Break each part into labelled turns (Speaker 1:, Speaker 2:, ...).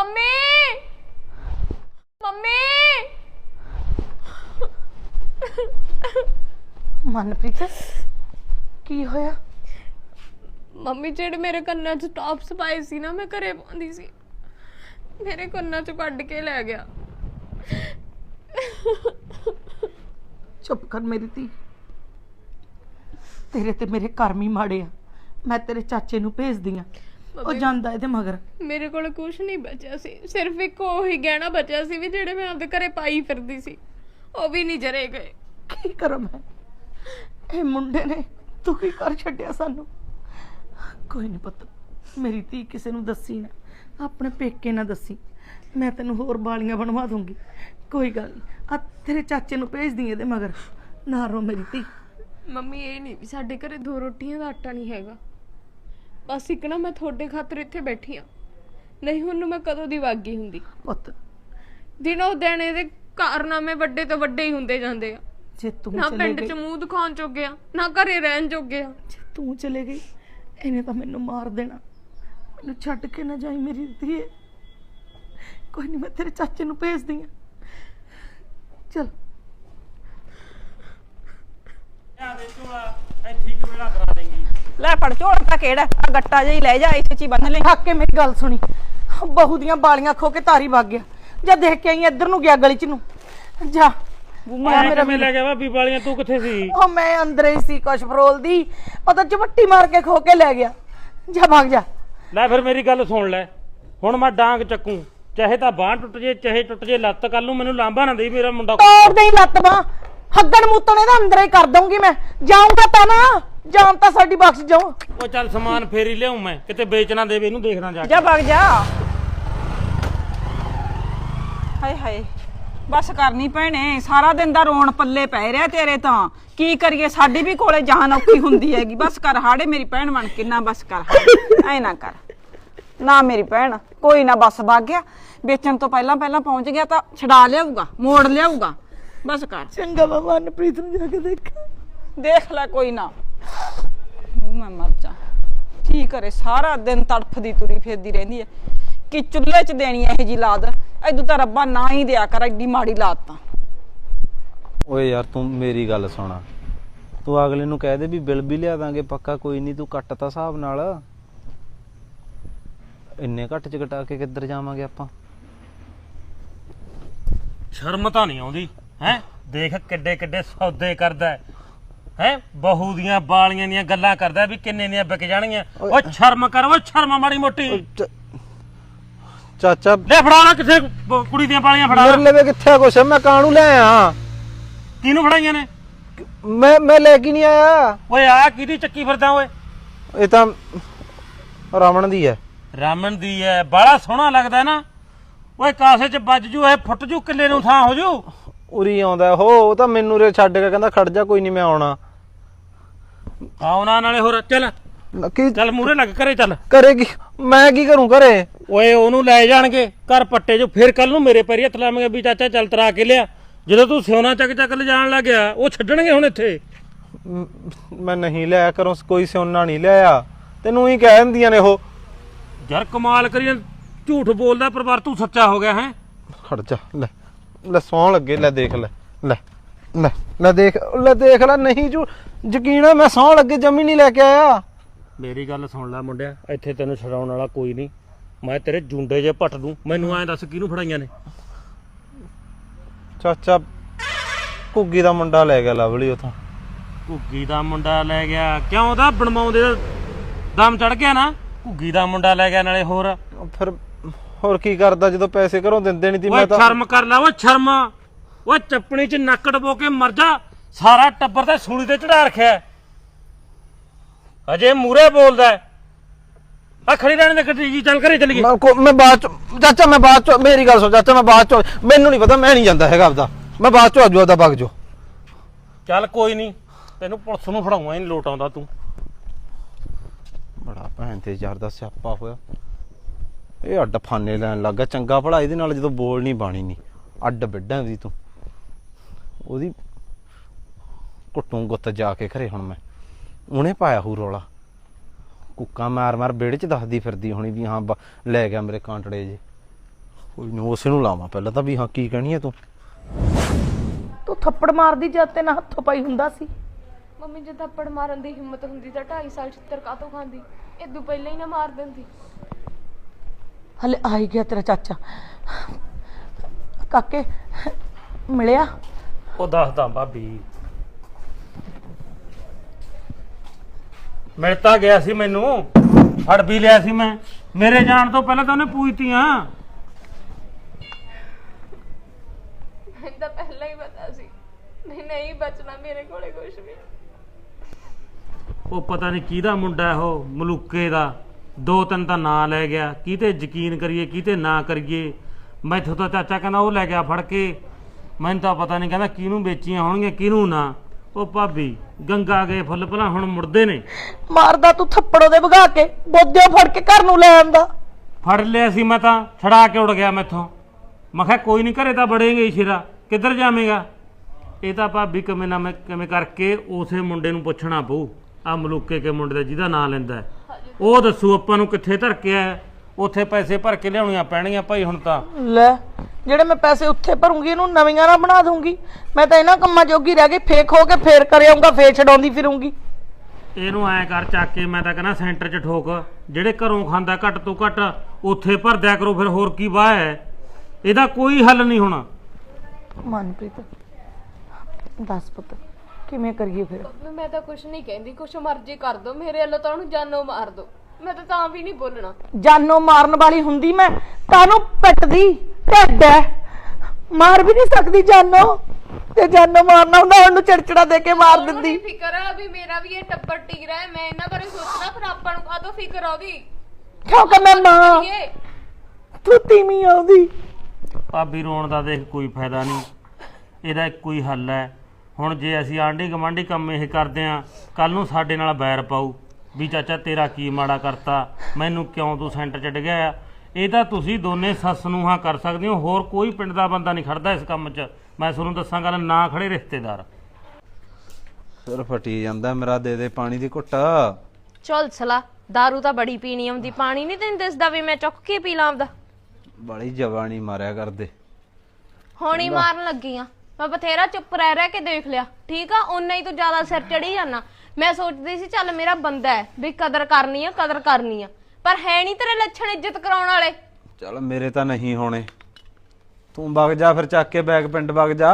Speaker 1: Mummy mummy
Speaker 2: Manpreet की होया?
Speaker 1: Mummy जेड़े मेरे कन्ना च टॉप्स पाए सी ना मैं घरे पाउंदी सी मेरे कन्ना च कड्ड के लै गया।
Speaker 2: चुप कर मेरी धी, तेरे ते मेरे कर्म ही माड़े आ। मैं तेरे चाचे नूं भेजदी आ, ਉਹ ਜਾਂਦਾ ਇਹਦੇ ਮਗਰ।
Speaker 1: ਮੇਰੇ ਕੋਲ ਕੁਝ ਨਹੀਂ ਬਚਿਆ ਸੀ, ਸਿਰਫ ਇੱਕ ਉਹੀ ਗਹਿਣਾ ਬਚਿਆ ਸੀ ਵੀ ਜਿਹੜੇ ਮੈਂ ਆਪਦੇ ਘਰੇ ਪਾਈ ਫਿਰਦੀ ਸੀ, ਉਹ ਵੀ ਨਹੀਂ ਜਰੇ ਗਏ।
Speaker 2: ਕੀ ਕਰਾਂ ਮੈਂ? ਇਹ ਮੁੰਡੇ ਨੇ ਤੂੰ ਕੀ ਕਰ ਛੱਡਿਆ ਸਾਨੂੰ। ਕੋਈ ਨਹੀਂ ਪੁੱਤ, ਮੇਰੀ ਧੀ ਕਿਸੇ ਨੂੰ ਦੱਸੀ ਨਾ, ਆਪਣੇ ਪੇਕੇ ਨਾ ਦੱਸੀ, ਮੈਂ ਤੈਨੂੰ ਹੋਰ ਬਾਲੀਆਂ ਬਣਵਾ ਦੂੰਗੀ। ਕੋਈ ਗੱਲ ਨਹੀਂ, ਆ ਤੇਰੇ ਚਾਚੇ ਨੂੰ ਭੇਜਦੀ ਇਹਦੇ ਮਗਰ, ਨਾ ਰੋ ਮੇਰੀ ਧੀ।
Speaker 1: ਮੰਮੀ ਇਹ ਨਹੀਂ ਵੀ ਸਾਡੇ ਘਰੇ 2 ਰੋਟੀਆਂ ਦਾ ਆਟਾ ਨਹੀਂ ਹੈਗਾ, ਬਸ ਇੱਕ ਨਾ ਮੈਂ ਤੁਹਾਡੇ ਖਾਤਰ ਇੱਥੇ ਬੈਠੀ ਆ, ਨਹੀਂ ਹੁਣ ਮੈਂ ਕਦੋਂ ਦੀ ਵਾਗੀ ਹੁੰਦੀ।
Speaker 2: ਪੁੱਤ
Speaker 1: ਦਿਨੋਂ ਦਿਨ ਇਹਦੇ ਕਾਰਨਾਮੇ ਵੱਡੇ ਤੋਂ ਵੱਡੇ ਹੀ ਹੁੰਦੇ ਜਾਂਦੇ ਆ।
Speaker 2: ਜੇ ਤੂੰ
Speaker 1: ਨਾ
Speaker 2: ਚਲੇ
Speaker 1: ਪਿੰਡ
Speaker 2: ਗਈ,
Speaker 1: 'ਚ ਮੂੰਹ ਦਿਖਾਉਣ ਜੋਗੇ ਆ, ਨਾ ਘਰੇ ਰਹਿਣ ਜੋਗੇ ਆ।
Speaker 2: ਜੇ ਤੂੰ ਚਲੇ ਗਈ ਇਹਨੇ ਤਾਂ ਮੈਨੂੰ ਮਾਰ ਦੇਣਾ। ਮੈਨੂੰ ਛੱਡ ਕੇ ਨਾ ਜਾਈ ਮੇਰੀ ਧੀਏ। ਕੋਈ ਨਹੀਂ, ਮੈਂ ਤੇਰੇ ਚਾਚੇ ਨੂੰ ਭੇਜਦੀ ਆ। ਚਲ
Speaker 3: ਲੈ ਫੜ ਝੋਲ ਤਾਂ ਕਿਹੜਾ ਆ ਗੱਟਾ ਜਿਹਾ ਹੀ ਲੈ ਜਾ, ਇਸ ਚ ਹੀ ਬੰਨ ਲੈ।
Speaker 2: ਥੱਕ ਕੇ ਮੇਰੀ ਗੱਲ ਸੁਣੀ, ਬਹੂ ਦੀਆਂ ਬਾਲੀਆਂ ਖੋ ਕੇ ਤਾਰੀ ਵਗ ਗਿਆ। ਜਾਂ ਦੇਖ ਕੇ ਆਈ ਇੱਧਰ ਨੂੰ ਗਿਆ ਗਲੀ ਚ ਨੂੰ। ਜਾ
Speaker 4: ਮੇਰਾ ਲੈ ਗਿਆ ਭਾਬੀ ਵਾਲੀਆਂ, ਤੂੰ ਕਿੱਥੇ ਸੀ?
Speaker 2: ਉਹ ਮੈਂ ਅੰਦਰ ਹੀ ਸੀ, ਕੁਛ ਫਰੋਲਦੀ, ਪਤਾ ਚਪੱਟੀ ਮਾਰ ਕੇ ਖੋ ਕੇ ਲੈ ਗਿਆ। ਜਾ ਭਾਗ ਜਾ।
Speaker 4: ਲੈ ਫਿਰ ਮੇਰੀ ਗੱਲ ਸੁਣ ਲੈ, ਹੁਣ ਮੈਂ ਡਾਂਗ ਚੱਕੂ, ਚਾਹੇ ਤਾਂ ਬਾਂਹ ਟੁੱਟ ਜੇ ਚਾਹੇ ਟੁੱਟ ਜੇ ਲੱਤ, ਕੱਲ ਨੂੰ ਮੈਨੂੰ ਲਾਂਭਾ ਨਾ ਦੇਈ ਮੇਰਾ ਮੁੰਡਾ।
Speaker 2: ਤੋੜ ਦੇ ਲੱਤ ਬਾਂਹ, ਹੱਗਣ ਮੂਤਣ ਇਹਦਾ ਅੰਦਰ ਹੀ ਕਰ ਦਊਂਗੀ ਮੈਂ। ਜਾਊਂਗਾ ਤਾਂ ਨਾ, ਜਾਨ ਤਾਂ ਸਾਡੀ ਬਖਸ਼ ਜਾਓ।
Speaker 4: ਉਹ ਚੱਲ ਸਮਾਨ ਫੇਰ ਹੀ ਲਿਆਉਂ ਮੈਂ, ਕਿਤੇ ਵੇਚ ਨਾ ਦੇਵੇ, ਇਹਨੂੰ ਦੇਖਦਾ ਜਾ
Speaker 3: ਜਾ ਵਗ ਜਾ। ਹਾਏ ਹਾਏ ਬਸ ਕਰਨੀ ਭੈਣੇ, ਸਾਰਾ ਦਿਨ ਦਾ ਰੋਣ ਪੱਲੇ ਪੈ ਰਿਹਾ ਤੇਰੇ ਤਾਂ। ਕੀ ਕਰੀਏ, ਸਾਡੀ ਵੀ ਕੋਲੇ ਜਾਨ ਔਖੀ ਹੁੰਦੀ ਹੈਗੀ। ਬਸ ਕਰ ਹਾੜੇ ਮੇਰੀ ਭੈਣ ਬਣ ਕੇ, ਨਾ ਬਸ ਕਰ, ਐ ਨਾ ਕਰ ਨਾ ਮੇਰੀ ਭੈਣ। ਕੋਈ ਨਾ ਬਸ ਵਗ ਗਿਆ, ਵੇਚਣ ਤੋਂ ਪਹਿਲਾਂ ਪਹੁੰਚ ਗਿਆ ਤਾਂ ਛਡਾ ਲਿਆਊਗਾ, ਮੋੜ ਲਿਆਊਗਾ। ਬਸ ਕਰ।
Speaker 2: ਚੰਗਾ ਮੈਂ ਮਨਪ੍ਰੀਤ ਨੂੰ ਜਾ ਕੇ
Speaker 3: ਦੇਖ ਲੈ, ਕੋਈ ਨਾ। ਮੈਂ ਮਰ ਜਾ, ਕੀ ਕਰੇ, ਸਾਰਾ ਦਿਨ ਤੜਫਦੀ ਤੁਰੀ ਫਿਰਦੀ ਰਹਿੰਦੀ ਹੈ ਕਿ ਚੁੱਲ੍ਹੇ 'ਚ ਦੇਣੀ ਇਹੋ ਜੀ ਲਾਦ। ਐਦੂ ਤਾਂ ਰੱਬਾ ਨਾ ਹੀ ਦਿਆ ਕਰ, ਐਡੀ ਮਾੜੀ ਲਾਦ ਤਾਂ।
Speaker 5: ਓਏ ਯਾਰ ਤੂੰ ਮੇਰੀ ਗੱਲ ਸੁਣਾ, ਤੂੰ ਅਗਲੇ ਨੂੰ ਕਹਿ ਦੇ ਵੀ ਬਿੱਲ ਵੀ ਲਿਆ ਦਾਂਗੇ ਪੱਕਾ, ਕੋਈ ਨਹੀਂ, ਤੂੰ ਕੱਟ ਤਾ ਹਿਸਾਬ ਨਾਲ। ਇੰਨੇ ਘੱਟ ਚ ਘਟਾ ਕੇ ਕਿੱਧਰ ਜਾਵਾਂਗੇ ਆਪਾਂ?
Speaker 4: ਸ਼ਰਮ ਤਾਂ ਨਹੀਂ ਆਉਂਦੀ ਹੈ? ਦੇਖ ਕਿੱਡੇ ਕਿੱਡੇ ਸੌਦੇ ਕਰਦਾ ਹੈ, ਬਹੂ ਦੀਆਂ ਬਾਲੀਆਂ ਦੀਆਂ ਗੱਲਾਂ ਕਰਦਾ ਵੀ ਕਿੰਨੇ ਦੀਆਂ ਵਿਕ ਜਾਣਗੀਆਂ। ਓ ਸ਼ਰਮ ਕਰ, ਓ ਸ਼ਰਮ ਮਾੜੀ ਮੋਟੀ।
Speaker 5: ਚਾਚਾ
Speaker 4: ਲੈ ਫੜਾ ਨਾ, ਕਿੱਥੇ ਕੁੜੀ ਦੀਆਂ ਬਾਲੀਆਂ ਫੜਾ।
Speaker 5: ਮੇਰੇ ਲਵੇ ਕਿੱਥੇ ਕੁਛ, ਮੈਂ ਕਾਹਨੂੰ ਲੈ ਆ?
Speaker 4: ਕਿਹਨੂੰ ਫੜਾਈਆਂ ਨੇ?
Speaker 5: ਮੈਂ ਲੈ ਕੇ ਨਹੀਂ ਆਇਆ।
Speaker 4: ਓਏ ਆ ਕਿਹਦੀ ਚੱਕੀ ਫਿਰਦਾ ਓਏ?
Speaker 5: ਇਹ ਤਾਂ ਰਾਵਣ ਦੀ ਹੈ।
Speaker 4: ਰਾਮਣ ਦੀ ਐ, ਬਾਲਾ ਸੋਹਣਾ ਲੱਗਦਾ ਨਾ। ਓਏ ਕਾਸੇ ਚ ਵੱਜ ਜੂ, ਇਹ ਫੁੱਟ ਜੂ, ਕਿੱਲੇ ਨੂੰ ਥਾਂ ਹੋ ਜੂ।
Speaker 5: ਉਰੀ ਆਉਂਦਾ ਉਹ ਤਾਂ ਮੈਨੂੰ ਰੇ ਛੱਡ ਕੇ ਕਹਿੰਦਾ ਖੜ ਜਾ, ਕੋਈ ਨਹੀਂ ਮੈਂ ਆਉਣਾ।
Speaker 4: ਆਉਣਾ ਨਾਲੇ ਹੋਰ ਚੱਲ
Speaker 5: ਕੀ
Speaker 4: ਚੱਲ ਮੂਹਰੇ ਲੱਗ, ਘਰੇ ਚੱਲ।
Speaker 5: ਕਰੇਗੀ? ਮੈਂ ਕੀ ਕਰੂੰ ਘਰੇ?
Speaker 4: ਓਏ ਉਹਨੂੰ ਲੈ ਜਾਣਗੇ ਘਰ ਪੱਟੇ ਜੋ, ਫਿਰ ਕੱਲ ਨੂੰ ਮੇਰੇ ਪੈਰੀ ਹੱਥ ਲਾਵਾਂਗੇ ਵੀ ਚਾਚਾ ਚੱਲ ਤਰਾ ਕੇ ਲਿਆ। ਜਦੋਂ ਤੂੰ ਸਿਉਣਾ ਚੱਕ ਚੱਕ ਲਿਜਾਣ ਲੱਗ ਗਿਆ, ਉਹ ਛੱਡਣਗੇ ਹੁਣ ਇੱਥੇ।
Speaker 5: ਮੈਂ ਨਹੀਂ ਲਿਆ ਕਰੂੰ, ਕੋਈ ਸਿਉਨਾ ਨਹੀਂ ਲਿਆ, ਤੈਨੂੰ ਹੀ ਕਹਿ ਦਿੰਦੀਆਂ ਨੇ ਉਹ।
Speaker 4: ਯਾਰ ਕਮਾਲ ਕਰੀ, ਝੂਠ ਬੋਲਦਾ ਪਰਿਵਾਰ, ਤੂੰ ਸੱਚਾ ਹੋ ਗਿਆ ਹੈ?
Speaker 5: ਖੜ ਜਾ, ਲੈ ਲੈ ਸੌਂ ਲੱਗੇ, ਲੈ ਦੇਖ ਲੈ, ਲੈ ਲੈ ਲੈ ਦੇਖ ਲੈ, ਨਹੀਂ ਜੂ ਯਕੀਨ ਹੈ, ਮੈਂ ਸੌਂ ਲੱਗੇ ਜਮੀ ਨਹੀਂ ਲੈ ਕੇ ਆਇਆ।
Speaker 4: ਮੇਰੀ ਗੱਲ ਸੁਣ ਲੈ ਮੁੰਡਿਆ, ਇੱਥੇ ਤੈਨੂੰ ਛਡਾਉਣ ਵਾਲਾ ਕੋਈ ਨਹੀਂ, ਮੈਂ ਤੇਰੇ ਜੁੰਡੇ ਜੇ ਪੱਟ ਦੂੰ। ਮੈਨੂੰ ਐਂ ਦੱਸ ਕਿਹਨੂੰ ਫੜਾਈਆਂ ਨੇ?
Speaker 5: ਚਾਚਾ ਘੁੱਗੀ ਦਾ ਮੁੰਡਾ ਲੈ ਗਿਆ ਲਵਲੀ ਉਥੋਂ।
Speaker 4: ਘੁੱਗੀ ਦਾ ਮੁੰਡਾ ਲੈ ਗਿਆ? ਕਿਉਂ, ਉਹਦਾ ਬਣਵਾਉਂਦੇ ਦਾ ਦਮ ਚੜ ਗਿਆ ਨਾ? ਘੁੱਗੀ ਦਾ ਮੁੰਡਾ ਲੈ ਗਿਆ, ਨਾਲੇ ਹੋਰ
Speaker 5: ਫਿਰ ਹੋਰ ਕੀ ਕਰਦਾ ਜਦੋਂ ਪੈਸੇ ਘਰੋਂ ਦਿੰਦੇ ਨਹੀਂ ਤੀ। ਮੈਂ ਤਾਂ
Speaker 4: ਸ਼ਰਮ ਕਰ ਲੈ, ਓਏ ਸ਼ਰਮ। ਓਏ ਚੱਪਣੀ ਚ ਨੱਕ ਡਬੋ ਕੇ ਮਰ ਜਾ, ਸਾਰਾ ਟੱਬਰ ਤੇ ਸੂਲੀ ਤੇ ਚੜਾ ਰੱਖਿਆ, ਅਜੇ ਮੂਰੇ ਬੋਲਦਾ। ਆ ਖੜੀ ਰਹਿਣ ਦੇ ਗੱਡੀ ਜੀ, ਚੱਲ ਘਰੇ ਚੱਲੀਏ।
Speaker 5: ਮੈਂ ਬਾਅਦ ਚ ਚਾਚਾ, ਮੈਂ ਬਾਅਦ ਚ, ਮੇਰੀ ਗੱਲ ਸੁਣ ਚਾਚਾ, ਮੈਂ ਬਾਅਦ ਚ, ਮੈਨੂੰ ਨਹੀਂ ਪਤਾ, ਮੈਂ ਨਹੀਂ ਜਾਂਦਾ ਹੈਗਾ ਆਪਦਾ, ਮੈਂ ਬਾਅਦ ਚ ਆਜੂ ਆਪਦਾ ਵਗ ਜੋ।
Speaker 4: ਚੱਲ ਕੋਈ ਨਹੀਂ, ਤੈਨੂੰ ਪੁਲਿਸ ਨੂੰ ਫੜਾਉਂਗਾ, ਨਹੀਂ ਲੋਟ ਆਉਂਦਾ ਤੂੰ।
Speaker 5: ਬੜਾ ਭੈਣ ਤੇ ਯਾਰ ਦਾ ਸਿਆਪਾ ਹੋਇਆ, ਇਹ ਅੱਡ ਫਾਨੇ ਲੈਣ ਲੱਗਾ। ਚੰਗਾ ਭਲਾ ਇਹਦੇ ਨਾਲ ਜਦੋਂ ਬੋਲ ਨਹੀਂ ਬਾਣੀ ਨਹੀਂ, ਅੱਡ ਬਿੱਡਾਂ ਦੀ ਤੂੰ ਉਹਦੀ ਕੁੱਟੂ ਗੁੱਤ ਜਾ ਕੇ ਘਰੇ। ਹੁਣ ਮੈਂ ਉਹਨੇ ਪਾਇਆ ਹੂ ਰੌਲਾ, ਕੁੱਕਾ ਮਾਰ ਮਾਰ ਵਿਹੜੇ ਚ ਦੱਸਦੀ ਫਿਰਦੀ ਹੋਣੀ ਵੀ ਹਾਂ ਲੈ ਗਿਆ ਮੇਰੇ ਕਾਂਟੜੇ ਜੇ। ਕੋਈ ਨਾ ਉਸੇ ਨੂੰ ਲਾਵਾਂ ਪਹਿਲਾਂ ਤਾਂ ਵੀ ਹਾਂ ਕੀ ਕਹਿਣੀ ਹੈ ਤੂੰ।
Speaker 2: ਤੂੰ ਥੱਪੜ ਮਾਰਦੀ ਜਦ ਤੇ ਨਾ ਹੱਥੋਂ ਪਾਈ ਹੁੰਦਾ ਸੀ।
Speaker 1: ਮੰਮੀ ਜੇ ਥੱਪੜ ਮਾਰਨ ਦੀ ਹਿੰਮਤ ਹੁੰਦੀ ਤਾਂ 2.5 ਸਾਲ ਛਿੱਤਰ ਕਾਤੋਂ ਖਾਂਦੀ, ਇਦੋਂ ਪਹਿਲਾਂ ਹੀ ਨਾ ਮਾਰ ਦਿੰਦੀ।
Speaker 2: ਹਲੇ ਆ ਹੀ ਗਿਆ ਤੇਰਾ ਚਾਚਾ। ਕਾਕੇ ਮਿਲਿਆ?
Speaker 4: ਉਹ ਦੱਸਦਾ ਭਾਬੀ, ਮਿਲ ਤਾਂ ਗਿਆ ਸੀ ਮੈਨੂੰ, ਫੜ ਵੀ ਲਿਆ ਸੀ ਮੈਂ। ਮੇਰੇ ਜਾਣ ਤੋਂ ਪਹਿਲਾਂ ਤਾਂ ਉਹਨੇ ਪੂਜਤੀਆਂ।
Speaker 1: ਮੈਨੂੰ ਤਾਂ ਪਹਿਲਾਂ ਹੀ ਪਤਾ ਸੀ ਨਹੀਂ ਬਚਣਾ ਮੇਰੇ ਕੋਲੇ ਕੁਝ ਵੀ।
Speaker 4: ਉਹ ਪਤਾ ਨਹੀਂ ਕਿਹਦਾ ਮੁੰਡਾ ਹੈ, ਉਹ ਮਲੂਕੇ ਦਾ। 2-3 ਤਾਂ ਨਾਂ ਲੈ ਗਿਆ, ਕਿਤੇ ਯਕੀਨ ਕਰੀਏ ਕਿਤੇ ਨਾ ਕਰੀਏ। ਮੈਥੋਂ ਤਾਂ ਚਾਚਾ ਕਹਿੰਦਾ ਉਹ ਲੈ ਗਿਆ ਫੜ ਕੇ। ਮੈਨੂੰ ਤਾਂ ਪਤਾ ਨਹੀਂ ਕਹਿੰਦਾ ਕਿਹਨੂੰ ਵੇਚੀਆਂ ਹੋਣਗੀਆਂ ਕਿਹਨੂੰ ਨਾ। ਉਹ ਭਾਬੀ ਗੰਗਾ ਗਏ ਫੁੱਲ ਭਲਾ ਹੁਣ ਮੁੜਦੇ ਨੇ।
Speaker 2: ਮਾਰਦਾ ਤੂੰ ਥੱਪੜ ਉਹਦੇ ਵਗਾ ਕੇ, ਬੋਧਿਓ ਫੜ ਕੇ ਘਰ ਨੂੰ ਲੈ ਆਂਦਾ।
Speaker 4: ਫੜ ਲਿਆ ਸੀ ਮੈਂ ਤਾਂ, ਛੜਾ ਕੇ ਉੜ ਗਿਆ ਮੈਥੋਂ। ਮੈਂ ਕਿਹਾ ਕੋਈ ਨਹੀਂ ਘਰੇ ਤਾਂ ਬੜੇਂਗੇ ਸ਼ੇਰਾ, ਕਿੱਧਰ ਜਾਵੇਂਗਾ। ਇਹ ਤਾਂ ਭਾਬੀ ਕਿਵੇਂ ਨਾ ਮੈਂ ਕਿਵੇਂ ਕਰਕੇ ਉਸੇ ਮੁੰਡੇ ਨੂੰ ਪੁੱਛਣਾ ਪਊ, ਆ ਮਲੂਕੇ ਕੇ ਮੁੰਡੇ ਦਾ ਜਿਹਦਾ ਨਾਂ ਲੈਂਦਾ ਹੈ। ਉਹ ਦੱਸੂ ਆਪਾਂ ਨੂੰ ਕਿੱਥੇ ਧਰ ਕੇ ਆਇਆ। ਉੱਥੇ ਪੈਸੇ ਭਰ ਕੇ ਲਿਆਉਣੀਆਂ ਪੈਣਗੀਆਂ ਭਾਈ ਹੁਣ ਤਾਂ।
Speaker 2: ਲੈ ਜਿਹੜੇ ਮੈਂ ਪੈਸੇ ਉੱਥੇ ਭਰੂੰਗੀ ਇਹਨੂੰ ਨਵੀਆਂ ਨਾ ਬਣਾ ਦੂੰਗੀ। ਮੈਂ ਤਾਂ ਇਹਨਾਂ ਕੰਮਾਂ ਜੋਗੀ ਰਹਿ ਗਈ, ਫੇਕ ਹੋ ਕੇ ਫੇਰ ਕਰ ਆਉਂਗਾ, ਫੇਰ ਛਡਾਉਂਦੀ ਫਿਰੂੰਗੀ।
Speaker 4: ਇਹਨੂੰ ਐ ਕਰ ਚੱਕ ਕੇ, ਮੈਂ ਤਾਂ ਕਹਿੰਦਾ ਸੈਂਟਰ 'ਚ ਠੋਕ। ਜਿਹੜੇ ਘਰੋਂ ਖਾਂਦਾ ਘੱਟ ਤੋਂ ਘੱਟ ਉੱਥੇ ਭਰ ਦਿਆ ਕਰੋ, ਫਿਰ ਹੋਰ ਕੀ ਵਾਹ ਹੈ। ਇਹਦਾ ਕੋਈ ਹੱਲ ਨਹੀਂ ਹੋਣਾ।
Speaker 2: ਮਨਪ੍ਰੀਤ ਦੱਸ ਪੁੱਤ ਕਿਵੇਂ ਕਰੀਏ ਫਿਰ?
Speaker 1: ਮੈਂ ਤਾਂ ਕੁਝ ਨਹੀਂ ਕਹਿੰਦੀ, ਕੁਛ ਮਰਜ਼ੀ ਕਰ ਦੋ, ਮੇਰੇ ਵੱਲੋਂ ਤਾਂ ਉਹਨੂੰ ਜਾਨੋਂ ਮਾਰ ਦੋ। ਮੈਂ ਤਾਂ ਵੀ ਨਹੀਂ ਬੋਲਣਾ।
Speaker 2: ਜਾਨੋਂ ਮਾਰਨ ਵਾਲੀ ਹੁੰਦੀ ਮੈਂ ਕਾਹਨੂੰ ਪਿੱਟਦੀ, ਢਿੱਡ ਐ, ਮਾਰ ਵੀ ਨਹੀਂ ਸਕਦੀ ਜਾਨੋਂ। ਤੇ ਜਾਨੋਂ ਮਾਰਨਾ ਹੁੰਦਾ ਉਹਨੂੰ ਚਿੜਚਿੜਾ ਦੇ ਕੇ ਮਾਰ ਦਿੰਦੀ।
Speaker 1: ਫਿਕਰ ਆ ਵੀ ਮੇਰਾ ਵੀ ਇਹ ਟੱਬਰ ਟਿਕ ਰਿਹਾ, ਮੈਂ ਇਹਨਾਂ ਬਾਰੇ ਸੋਚਣਾ, ਫਿਰ ਆਪਾਂ ਨੂੰ ਕਾਹਦੋਂ ਫਿਕਰ ਆਉਗੀ?
Speaker 2: ਕਿਉਂਕਿ ਮੈਂ ਮਾਂ, ਤੂੰ ਤੀਵੀਂ ਆਉਂਦੀ।
Speaker 4: ਭਾਬੀ ਰੋਣ ਦਾ ਦੇਖ ਕੋਈ ਫਾਇਦਾ ਨਹੀਂ, ਇਹਦਾ ਇੱਕੋ ਹੀ ਹੱਲ ਹੈ। ਹੁਣ ਜੇ ਅਸੀਂ ਆਂਢੀ ਗੁਆਂਢੀ ਕੰਮ ਇਹ ਕਰਦੇ ਆਂ, ਕੱਲ ਨੂੰ ਸਾਡੇ ਨਾਲ ਬੈਰ ਪਾਊ ਵੀ ਚਾਚਾ ਤੇਰਾ ਕੀ ਮਾੜਾ ਕਰਤਾ, ਮੈਨੂੰ ਕਿਉਂ ਤੂੰ ਸੈਂਟਰ 'ਚ ਡਿੱਗਿਆ ਆ। ਇਹ ਤਾਂ ਤੁਸੀਂ ਦੋਨੇ ਸੱਸ ਨੂੰ ਹਾਂ ਕਰ ਸਕਦੇ ਹੋ, ਹੋਰ ਕੋਈ ਪਿੰਡ ਦਾ ਬੰਦਾ ਨਹੀਂ ਖੜਦਾ ਇਸ ਕੰਮ 'ਚ। ਮੈਂ ਤੁਹਾਨੂੰ ਦੱਸਾਂ ਗੱਲ, ਨਾ ਖੜੇ ਰਿਸ਼ਤੇਦਾਰ।
Speaker 5: ਸਿਰ ਫਟੀ ਜਾਂਦਾ ਮੇਰਾ, ਦੇ ਦੇ ਪਾਣੀ ਦੀ ਘੁੱਟ।
Speaker 6: ਚੱਲ ਸਲਾ, ਦਾਰੂ ਤਾਂ ਬੜੀ ਪੀਣੀ ਆਉਂਦੀ, ਪਾਣੀ ਨਹੀਂ ਤੈਨੂੰ ਦਿਸਦਾ ਵੀ ਮੈਂ ਚੁੱਕ ਕੇ ਪੀ ਲਾਂ ਆਪਦਾ?
Speaker 5: ਬੜੀ ਜਵਾਨੀ ਮਾਰਿਆ ਕਰਦੇ।
Speaker 6: ਹੁਣ ਹੀ ਮਾਰਨ ਲੱਗੀ ਆ ਮੈਂ, ਬਥੇਰਾ ਚੁੱਪ ਰਹਿ ਕੇ ਦੇਖ ਲਿਆ, ਠੀਕ ਆ। ਓਨਾ ਹੀ ਤੂੰ ਜ਼ਿਆਦਾ ਸਿਰ ਚੜੀ ਜਾਣਾ। ਮੈਂ ਸੋਚਦੀ ਸੀ ਚੱਲ ਮੇਰਾ ਬੰਦਾ ਹੈ ਵੀ ਕਦਰ ਕਰਨੀ ਆ, ਪਰ ਹੈ ਨਹੀਂ ਤੇਰੇ ਲੱਛਣ ਇੱਜ਼ਤ ਕਰਾਉਣ ਵਾਲੇ।
Speaker 5: ਚੱਲ ਮੇਰੇ ਤਾਂ ਨਹੀਂ ਹੋਣੇ, ਤੂੰ ਵਗ ਜਾ ਫਿਰ, ਚੱਕ ਕੇ ਬੈਗ ਪਿੰਡ ਵਗ ਜਾ।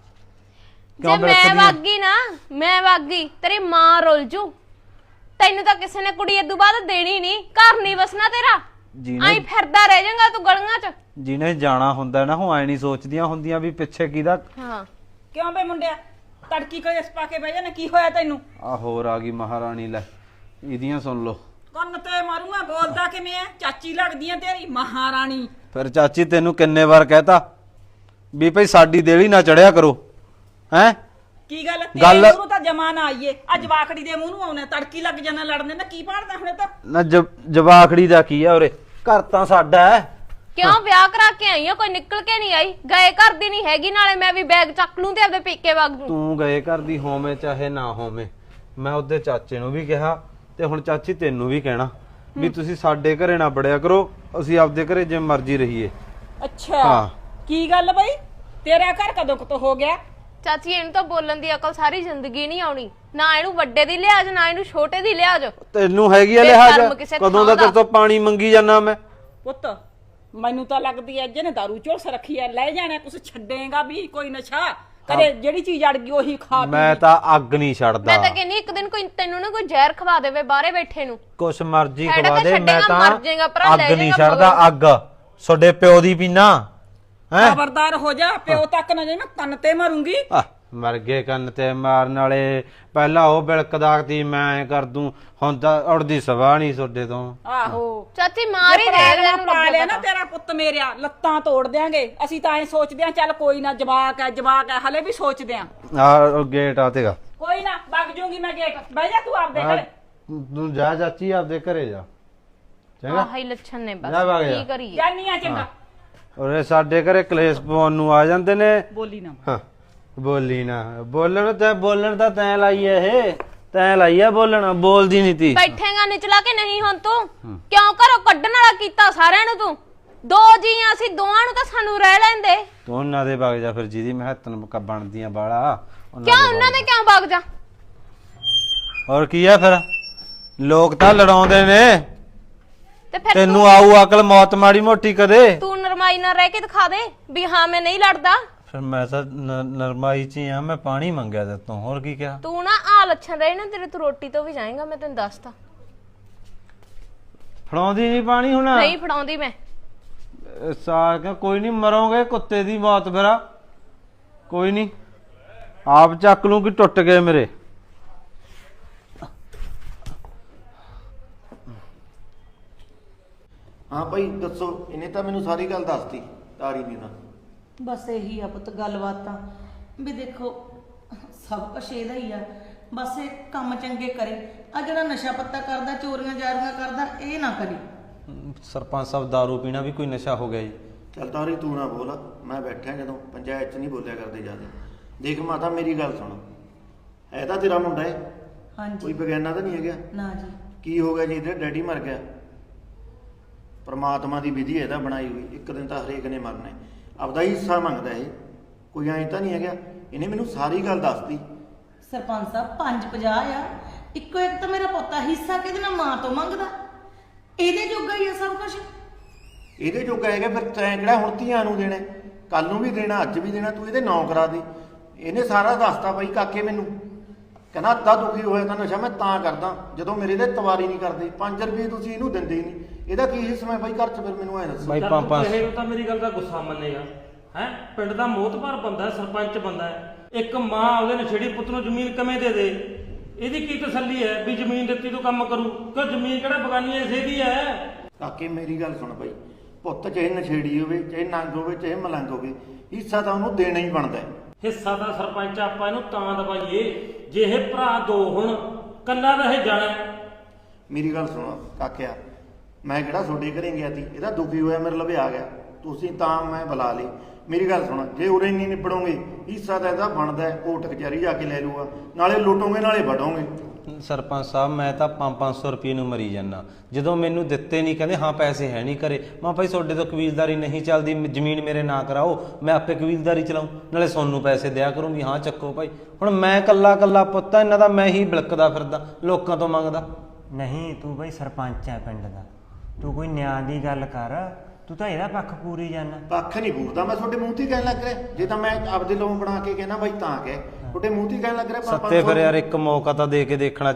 Speaker 6: ਜੇ ਮੈਂ ਵਾਗੀ ਨਾ, ਮੈਂ ਵਾਗੀ ਤੇਰੀ ਮਾਂ ਰੁੱਲ ਜੂ। ਤੈਨੂੰ ਤਾਂ ਕਿਸੇ ਨੇ ਕੁੜੀ ਇਦੋਂ ਬਾਅਦ ਦੇਣੀ ਨਹੀਂ, ਘਰ ਨਹੀਂ ਵਸਣਾ ਤੇਰਾ। ਆਈ ਫਿਰਦਾ ਰਹਿ ਜਾਏਗਾ ਤੂੰ ਗਲੀਆਂ 'ਚ।
Speaker 5: ਜਿਹਨੇ ਜਾਣਾ ਹੁੰਦਾ ਨਾ, ਉਹ ਐ ਨਹੀਂ ਸੋਚਦੀਆਂ ਹੁੰਦੀਆਂ ਵੀ ਪਿੱਛੇ ਕਿਹਦਾ।
Speaker 6: ਹਾਂ
Speaker 3: ਕਿਉਂ ਬੇ ਮੁੰਡਿਆ, ਤੜਕੀ ਕੋਈ ਇਸ ਪਾ ਕੇ ਬਹਿ ਜਾਣਾ, ਕੀ ਹੋਇਆ ਤੈਨੂੰ?
Speaker 5: ਆ ਹੋਰ ਆ ਗਈ ਮਹਾਰਾਣੀ, ਲੈ ਇਹਦੀਆਂ ਸੁਣ ਲੋ।
Speaker 3: ਕੰਨ ਤੇ ਮਾਰੂੰਗਾ, ਬੋਲਦਾ ਕਿਵੇਂ ਐ? ਚਾਚੀ ਲੱਗਦੀ ਐ ਤੇਰੀ ਮਹਾਰਾਣੀ।
Speaker 5: ਫਿਰ ਚਾਚੀ ਤੈਨੂੰ ਕਿੰਨੇ ਵਾਰ ਕਹਿਤਾ ਵੀ ਭਈ ਸਾਡੀ ਦੇਲੀ ਨਾ ਚੜਿਆ ਕਰੋ, ਹੈ?
Speaker 3: ਕੀ ਗੱਲ ਤੇਰੇ ਮੂੰਹ ਨੂੰ ਤਾਂ ਜਮਾਨਾ ਆਈਏ, ਅੱਜ ਵਾਕੜੀ ਦੇ ਮੂੰਹ ਨੂੰ ਆਉਣਾ, ਤੜਕੀ ਲੱਗ ਜਾਣਾ ਲੜਨੇ ਨਾ। ਕੀ ਪਾੜਦਾ ਹੁਣੇ ਤਾਂ
Speaker 5: ਨਾ ਜਵਾਖੜੀ ਦਾ ਕੀ ਆ ਉਰੇ, ਘਰ ਤਾਂ ਸਾਡਾ ਹੈ।
Speaker 6: ਕਿਉਂ ਵਿਆਹ ਕਰਾ ਕੇ ਆਈ ਆ, ਕੋਈ ਨਿਕਲ ਕੇ ਨਹੀਂ ਆਈ? ਗਏ ਘਰ ਦੀ ਨਹੀਂ ਹੈਗੀ, ਨਾਲੇ ਮੈਂ ਵੀ ਬੈਗ ਚੱਕ ਲੂੰ ਤੇ ਆਪਦੇ ਪੇਕੇ ਵਗ ਜੂ।
Speaker 5: ਤੂੰ ਗਏ ਘਰ ਦੀ ਹੋਵੇਂ ਚਾਹੇ ਨਾ ਹੋਵੇਂ, ਮੈਂ ਉਹਦੇ ਚਾਚੇ ਨੂੰ ਵੀ ਕਿਹਾ ਤੇ ਹੁਣ ਚਾਚੀ ਤੈਨੂੰ ਵੀ ਕਹਿਣਾ ਵੀ ਤੁਸੀਂ ਸਾਡੇ ਘਰੇ ਨਾ ਬੜਿਆ ਕਰੋ, ਅਸੀਂ ਆਪਦੇ ਘਰੇ ਜਿਵੇਂ ਮਰਜ਼ੀ ਰਹੀਏ।
Speaker 3: ਅੱਛਾ
Speaker 5: ਹਾਂ।
Speaker 3: ਕੀ ਗੱਲ ਬਈ, ਤੇਰਾ ਘਰ ਕਦੋਂ ਕੁ ਤੋਂ ਹੋ ਗਿਆ?
Speaker 6: ਚਾਚੀ ਇਹਨੂੰ ਤਾਂ ਬੋਲਣ ਦੀ ਅਕਲ ਸਾਰੀ ਜ਼ਿੰਦਗੀ ਨਹੀਂ ਆਉਣੀ, ਨਾ ਇਹਨੂੰ ਵੱਡੇ ਦੀ ਲਿਹਾਜ਼ ਨਾ ਇਹਨੂੰ ਛੋਟੇ ਦੀ ਲਿਹਾਜ਼।
Speaker 5: ਤੈਨੂੰ ਹੈਗੀ ਆ
Speaker 6: ਬੇਸ਼ਰਮ
Speaker 5: ਲਿਹਾਜ਼,
Speaker 6: ਕਿਸੇ
Speaker 5: ਕਦੋਂ ਦਾ
Speaker 6: ਥਾਂ
Speaker 5: ਤੇਰੇ ਤੋਂ ਪਾਣੀ ਮੰਗੀ ਜਾਂਦਾ ਮੈਂ।
Speaker 3: ਪੁੱਤ ਮੈਨੂੰ ਤਾਂ ਲੱਗਦੀ ਐ ਜਿਹਨੇ ਦਾਰੂ ਝੋਲਸ ਰੱਖੀ ਐ, ਲੈ ਜਾਣਾ ਕੁਛ ਛੱਡੇਗਾ ਵੀ ਕੋਈ ਨਸ਼ਾ ਕਦੇ, ਜਿਹੜੀ ਚੀਜ਼ ਅੜ ਗਈ ਉਹੀ ਖਾ ਪੀ।
Speaker 5: ਮੈਂ ਤਾਂ ਅੱਗ ਨਹੀਂ ਛੱਡਦਾ।
Speaker 6: ਮੈਂ ਤਾਂ ਕਹਿੰਨੀ ਇੱਕ ਦਿਨ ਕੋਈ ਤੈਨੂੰ ਨਾ ਕੋਈ ਜ਼ਹਿਰ ਖਵਾ ਦੇਵੇ ਬਾਹਰੇ ਬੈਠੇ ਨੂੰ।
Speaker 5: ਕੁਛ ਮਰਜ਼ੀ
Speaker 6: ਐਡਾ
Speaker 5: ਖਵਾ
Speaker 6: ਤਾਂ
Speaker 5: ਦੇ, ਮੈਂ
Speaker 6: ਛੱਡੇਗਾ, ਮਰ ਜਾਏਗਾ, ਭਰਾ
Speaker 5: ਤਾਂ
Speaker 6: ਲੈ
Speaker 5: ਅੱਗ ਨਹੀਂ
Speaker 6: ਜਾਏਗਾ
Speaker 5: ਛੱਡਦਾ। ਅੱਗ ਤੁਹਾਡੇ ਪਿਓ ਦੀ ਪੀਣਾ ਹੈ।
Speaker 3: ਖਬਰਦਾਰ ਹੋ ਜਾ, ਪਿਓ ਤੱਕ ਨਾ ਜਾਈ, ਮੈਂ ਕੰਨ ਤੇ ਮਾਰੂੰਗੀ।
Speaker 5: ਮਰ ਗਏ ਕੰਨ ਤੇ ਮਾਰਨ ਵਾਲੇ। ਪਹਿਲਾਂ ਉਹ ਬਿਲਕਦਾ ਤੀ ਮੈਂ ਕਰ ਦੂੰ, ਹੁਣ ਤਾਂ ਉੜਦੀ ਸਵਾ ਨਹੀਂ ਤੁਹਾਡੇ ਤੋਂ।
Speaker 3: ਆਹੋ
Speaker 6: ਚਾਚੀ ਮਾਰ ਹੀ ਦੇ
Speaker 3: ਲੈ ਪਾ ਲਿਆ ਨਾ ਤੇਰਾ ਪੁੱਤ ਮੇਰਿਆ, ਲੱਤਾਂ ਤੋੜ ਦਿਆਂਗੇ। ਅਸੀਂ ਤਾਂ ਐ ਸੋਚਦੇ ਆਂ ਚੱਲ ਕੋਈ ਨਾ, ਜਵਾਕ ਐ ਹਲੇ ਵੀ ਸੋਚਦੇ ਆਂ।
Speaker 5: ਆ ਗੇਟ ਆ ਤੇਗਾ,
Speaker 3: ਕੋਈ ਨਾ ਵਗ ਜੂਗੀ ਮੈਂ ਗੇਟ, ਬਹਿ ਜਾ ਤੂੰ ਆਪਦੇ ਘਰੇ।
Speaker 5: ਤੂੰ ਜਾ ਚਾਚੀ ਆਪਦੇ ਘਰੇ ਜਾ, ਚੰਗਾ?
Speaker 6: ਆਹ ਹੀ ਲੱਛਣ ਨੇ ਬਸ,
Speaker 5: ਜਾ ਵਗ ਜਾ।
Speaker 6: ਕੀ ਕਰੀਏ?
Speaker 3: ਜਾਨੀ ਆ ਚੰਗਾ।
Speaker 5: ਉਰੇ ਸਾਡੇ ਘਰੇ ਕਲੇਸ਼ ਪਾਉਣ ਨੂੰ ਆ ਜਾਂਦੇ ਨੇ।
Speaker 3: ਬੋਲੀ ਨਾ
Speaker 5: ਹਾਂ ਬੋਲੀ ਨਾ, ਬੋਲਣ ਤਾਂ ਤੈਂ ਲਾਈ ਐ, ਇਹ ਤੈਂ ਲਾਈ ਐ ਬੋਲਣਾ, ਬੋਲਦੀ ਨਹੀਂ ਤੀ।
Speaker 6: ਬੈਠੇਗਾ ਨਿਚਲਾ ਕੇ ਨਹੀਂ ਹੁਣ ਤੂੰ? ਕਿਉਂ ਘਰੋਂ ਕੱਢਣ ਵਾਲਾ ਕੀਤਾ ਸਾਰਿਆਂ ਨੂੰ ਤੂੰ? ਦੋ ਜੀ ਆ ਅਸੀਂ, ਦੋਵਾਂ ਨੂੰ ਤਾਂ ਸਾਨੂੰ ਰਹਿ ਲੈਂਦੇ।
Speaker 5: ਤੂੰ ਉਹਨਾਂ ਦੇ ਵਗ ਜਾ ਫਿਰ, ਜਿਹਦੀ ਮਹੱਤਨ ਬਣਦੀਆਂ ਬਾਲਾ
Speaker 6: ਕਿਉਂ ਉਹਨਾਂ ਦੇ ਕਿਉਂ ਵਗ ਜਾ?
Speaker 5: ਹੋਰ ਕੀ ਆ ਫਿਰ, ਲੋਕ ਤਾਂ ਲੜਾਉਂਦੇ ਨੇ।
Speaker 6: ਤੇ ਫਿਰ
Speaker 5: ਤੈਨੂੰ ਆਊ ਅਕਲ ਮੌਤ ਮਾੜੀ ਮੋਟੀ ਕਦੇ?
Speaker 6: ਤੂੰ ਨਰਮਾਈ ਨਾਲ ਰਹਿ ਕੇ ਦਿਖਾ ਦੇ ਵੀ ਹਾਂ ਮੈਂ ਨਹੀਂ ਲੜਦਾ।
Speaker 5: ਫਿਰ ਮੈਂ ਤਾਂ ਨਰਮਾਈ ਚ ਹੀ ਆ, ਮੈਂ ਪਾਣੀ ਮੰਗਿਆ ਤੇ ਤੂੰ ਹੋਰ ਕੀ ਕਿਹਾ?
Speaker 6: ਤੂੰ ਨਾ ਆ ਲੱਛਣ ਰਹੇ ਨਾ ਤੇਰੇ, ਤੂੰ ਰੋਟੀ ਤੋਂ ਵੀ ਜਾਏਗਾ, ਮੈਂ ਤੈਨੂੰ ਦੱਸਦਾ।
Speaker 5: ਫੜਾਉਂਦੀ ਨਹੀਂ ਪਾਣੀ ਹੁਣ?
Speaker 6: ਨਹੀਂ ਫੜਾਉਂਦੀ ਮੈਂ।
Speaker 5: ਸਾਰ ਕੋਈ ਨਹੀਂ, ਮਰੋਗੇ ਕੁੱਤੇ ਦੀ ਮੌਤ ਫਿਰ। ਕੋਈ ਨਹੀਂ, ਆਪ ਚੱਕ ਲੂੰ ਕਿ ਟੁੱਟ ਗਏ ਮੇਰੇ।
Speaker 7: ਹਾਂ ਭਾਈ ਦੱਸੋ। ਇਹਨੇ ਤਾਂ ਮੈਨੂੰ ਸਾਰੀ ਗੱਲ ਦੱਸਤੀ, ਤਾਰੀ ਨੇ ਤਾਂ।
Speaker 2: ਬਸ ਇਹੀ ਆ ਪੁੱਤ ਗੱਲਬਾਤ ਤਾਂ, ਵੀ ਦੇਖੋ ਸਭ ਕੁਛ ਇਹਦਾ ਹੀ ਆ। ਬਸ ਇਹ ਕੰਮ ਚੰਗੇ ਕਰੇ, ਆ ਜਿਹੜਾ ਨਸ਼ਾ ਪੱਤਾ ਕਰਦਾ, ਚੋਰੀਆਂ ਜਾਰੀਆਂ ਕਰਦਾ, ਇਹ ਨਾ ਕਰੇ।
Speaker 5: ਸਰਪੰਚ ਸਾਹਿਬ ਦਾਰੂ ਪੀਣਾ ਵੀ ਕੋਈ ਨਸ਼ਾ ਹੋ ਗਿਆ ਜੀ?
Speaker 7: ਚੱਲ ਤਾਰੀ ਤੂੰ ਨਾ ਬੋਲ, ਮੈਂ ਬੈਠਾ ਜਦੋਂ ਪੰਚਾਇਤ 'ਚ ਨਹੀਂ ਬੋਲਿਆ ਕਰਦੇ ਜਿਆਦਾ। ਦੇਖ ਮਾਤਾ ਮੇਰੀ ਗੱਲ ਸੁਣ, ਹੈ ਤਾਂ ਤੇਰਾ ਮੁੰਡਾ ਹੈ, ਕੋਈ
Speaker 2: ਹਾਂਜੀ।
Speaker 7: ਬਗਾਨਾ ਤਾਂ ਨਹੀਂ ਹੈਗਾ?
Speaker 2: ਨਾ ਜੀ।
Speaker 7: ਕੀ ਹੋ ਗਿਆ ਜੀ, ਇਹਦੇ ਡੈਡੀ ਮਰ ਗਿਆ। ਪਰਮਾਤਮਾ ਦੀ ਵਿਧੀ ਇਹਦਾ ਬਣਾਈ ਹੋਈ, ਇੱਕ ਦਿਨ ਤਾਂ ਹਰੇਕ ਨੇ ਮਰਨਾ ਹੈ। ਆਪਦਾ ਹੀ ਹਿੱਸਾ ਮੰਗਦਾ ਇਹ, ਕੋਈ ਐਂ ਤਾਂ ਨਹੀਂ ਹੈਗਾ। ਇਹਨੇ ਮੈਨੂੰ ਸਾਰੀ ਗੱਲ ਦੱਸਤੀ।
Speaker 2: ਸਰਪੰਚ ਸਾਹਿਬ 5-50 ਆ, ਇੱਕੋ ਇੱਕ ਤਾਂ ਮੇਰਾ ਪੋਤਾ ਹਿੱਸਾ ਕਿਹਦੇ ਨਾਲ ਮਾਂ ਤੋਂ ਮੰਗਦਾ, ਇਹਦੇ ਜੋਗਾ ਹੀ ਆ ਸਭ ਕੁਝ।
Speaker 7: ਇਹਦੇ ਜੋਗਾ ਹੈਗਾ, ਫਿਰ ਤੈਂ ਕਿਹੜਾ ਹੁਣ ਧੀਆਂ ਨੂੰ ਦੇਣਾ, ਕੱਲ ਨੂੰ ਵੀ ਦੇਣਾ, ਅੱਜ ਵੀ ਦੇਣਾ, ਤੂੰ ਇਹਦੇ ਨਾਂ ਕਰਾ ਦੇ। ਇਹਨੇ ਸਾਰਾ ਦੱਸਤਾ ਬਾਈ ਕਾਕੇ ਮੈਨੂੰ, ਕਹਿੰਦਾ ਅੱਧਾ ਦੁਖੀ ਹੋਇਆ ਤਾਂ ਨਸ਼ਾ ਮੈਂ ਤਾਂ ਕਰਦਾ ਜਦੋਂ ਮੇਰੇ ਦੇ ਤਵਾਰੀ ਨਹੀਂ ਕਰਦੇ। 5 ਰੁਪਏ ਤੁਸੀਂ ਇਹਨੂੰ ਦਿੰਦੇ ਹੀ ਨਹੀਂ, ਇਹਦਾ ਕੀ ਹਿੱਸਾ ਹੈ ਬਾਈ ਘਰ 'ਚ? ਫਿਰ ਮੈਨੂੰ ਐਂ ਦੱਸੋ।
Speaker 5: ਬਾਈ
Speaker 4: ਚੱਲ ਤੂੰ
Speaker 5: ਪੰਜ
Speaker 4: ਕਹੇ ਨੂੰ ਤਾਂ ਮੇਰੀ ਗੱਲ ਦਾ ਗੁੱਸਾ ਮੰਨੇਗਾ ਹੈ? ਪਿੰਡ ਦਾ ਮੋਹਤਬਾਰ ਬੰਦਾ, ਸਰਪੰਚ ਬੰਦਾ ਹੈ। ਇੱਕ ਮਾਂ ਉਹਦੇ ਨਛੇੜੀ ਪੁੱਤ ਨੂੰ ਜ਼ਮੀਨ ਕਿਵੇਂ ਦੇ ਦੇ? ਇਹਦੀ ਕੀ ਤਸੱਲੀ ਹੈ ਵੀ ਜ਼ਮੀਨ ਦਿੱਤੀ ਤੋਂ ਕੰਮ ਕਰੂ? ਕਿ ਜ਼ਮੀਨ ਕਿਹੜਾ ਬਗਾਨੀ ਇਸੇ ਦੀ ਹੈ?
Speaker 7: ਕਾਕੇ ਮੇਰੀ ਗੱਲ ਸੁਣ ਬਾਈ, ਪੁੱਤ ਚਾਹੇ ਨਛੇੜੀ ਹੋਵੇ, ਚਾਹੇ ਨੰਗ ਹੋਵੇ, ਚਾਹੇ ਮਲੰਗ ਹੋਵੇ, ਹਿੱਸਾ ਤਾਂ ਉਹਨੂੰ ਦੇਣਾ ਹੀ ਬਣਦਾ ਹੈ।
Speaker 4: ਹਿੱਸਾ ਦਾ ਸਰਪੰਚ ਆਪਾਂ ਇਹਨੂੰ ਤਾਂ ਦਵਾਈਏ ਜੇ ਇਹ ਭਰਾ ਦੋ ਹੁਣ, ਕੱਲਾ ਤਾਂ ਇਹ ਜਾਣਾ ਹੈ।
Speaker 7: ਮੇਰੀ ਗੱਲ ਸੁਣੋ ਕਾਕਿਆ, ਮੈਂ ਕਿਹੜਾ ਤੁਹਾਡੇ ਘਰੇ ਗਿਆ ਸੀ? ਇਹਦਾ ਦੁਖੀ ਹੋਇਆ ਮੇਰੇ ਲਵੇ ਆ ਗਿਆ, ਤੁਸੀਂ ਤਾਂ ਮੈਂ ਬੁਲਾ ਲਈ। ਮੇਰੀ ਗੱਲ ਸੁਣ, ਜੇ ਉਰੇ ਨਹੀਂ ਨਿਬੜੋਗੇ ਹਿੱਸਾ ਤਾਂ ਇਹਦਾ ਬਣਦਾ ਹੈ, ਕੋਰਟ ਕਚਹਿਰੀ ਜਾ ਕੇ ਲੈ ਲੂਗਾ, ਨਾਲੇ ਲੁੱਟੋਗੇ ਨਾਲੇ ਵਢੋਗੇ।
Speaker 5: ਸਰਪੰਚ ਸਾਹਿਬ ਮੈਂ ਤਾਂ 500 ਰੁਪਏ ਨੂੰ ਮਰੀ ਜਾਂਦਾ, ਜਦੋਂ ਮੈਨੂੰ ਦਿੱਤੇ ਨਹੀਂ, ਕਹਿੰਦੇ ਹਾਂ ਪੈਸੇ ਹੈ ਨਹੀਂ ਘਰੇ। ਮੈਂ ਭਾਈ ਤੁਹਾਡੇ ਤੋਂ ਕਬੀਲਦਾਰੀ ਨਹੀਂ ਚੱਲਦੀ, ਜ਼ਮੀਨ ਮੇਰੇ ਨਾਂ ਕਰਾਓ, ਮੈਂ ਆਪੇ ਕਬੀਲਦਾਰੀ ਚਲਾਉਂ, ਨਾਲੇ ਸੋਨੂੰ ਪੈਸੇ ਦਿਆ ਕਰੂੰ ਵੀ ਹਾਂ ਚੱਕੋ ਭਾਈ। ਹੁਣ ਮੈਂ ਕੱਲਾ ਕੱਲਾ ਪੁੱਤ ਇਹਨਾਂ ਦਾ, ਮੈਂ ਹੀ ਬਿਲਕਦਾ ਫਿਰਦਾ ਲੋਕਾਂ ਤੋਂ ਮੰਗਦਾ।
Speaker 8: ਨਹੀਂ ਤੂੰ ਬਈ ਸਰਪੰਚ ਹੈ ਪਿੰਡ ਦਾ, ਤੂੰ ਕੋਈ ਨਿਆਂ ਦੀ ਗੱਲ ਕਰ, ਤੂੰ ਤਾਂ ਇਹਦਾ ਪੱਖ ਪੂਰੀ ਜਾਨਾ।
Speaker 7: ਪੱਖ ਨਹੀਂ ਪੂਰਦਾ ਮੈਂ, ਤੁਹਾਡੇ ਮੂੰਹ 'ਤੇ ਹੀ ਕਹਿਣ ਲੱਗ ਰਿਹਾ। ਜੇ ਤਾਂ ਮੈਂ ਆਪਦੇ ਲੋਨ ਬਣਾ ਕੇ ਕਹਿਣਾ ਬਾਈ ਤਾਂ ਕਹਿ, ਤੁਹਾਡੇ ਮੂੰਹ 'ਤੇ ਹੀ ਕਹਿਣ ਲੱਗ ਰਿਹਾ।
Speaker 5: ਸੱਤੇ ਫਿਰ ਯਾਰ ਇੱਕ ਮੌਕਾ ਤਾਂ ਦੇ ਕੇ ਦੇਖਣਾ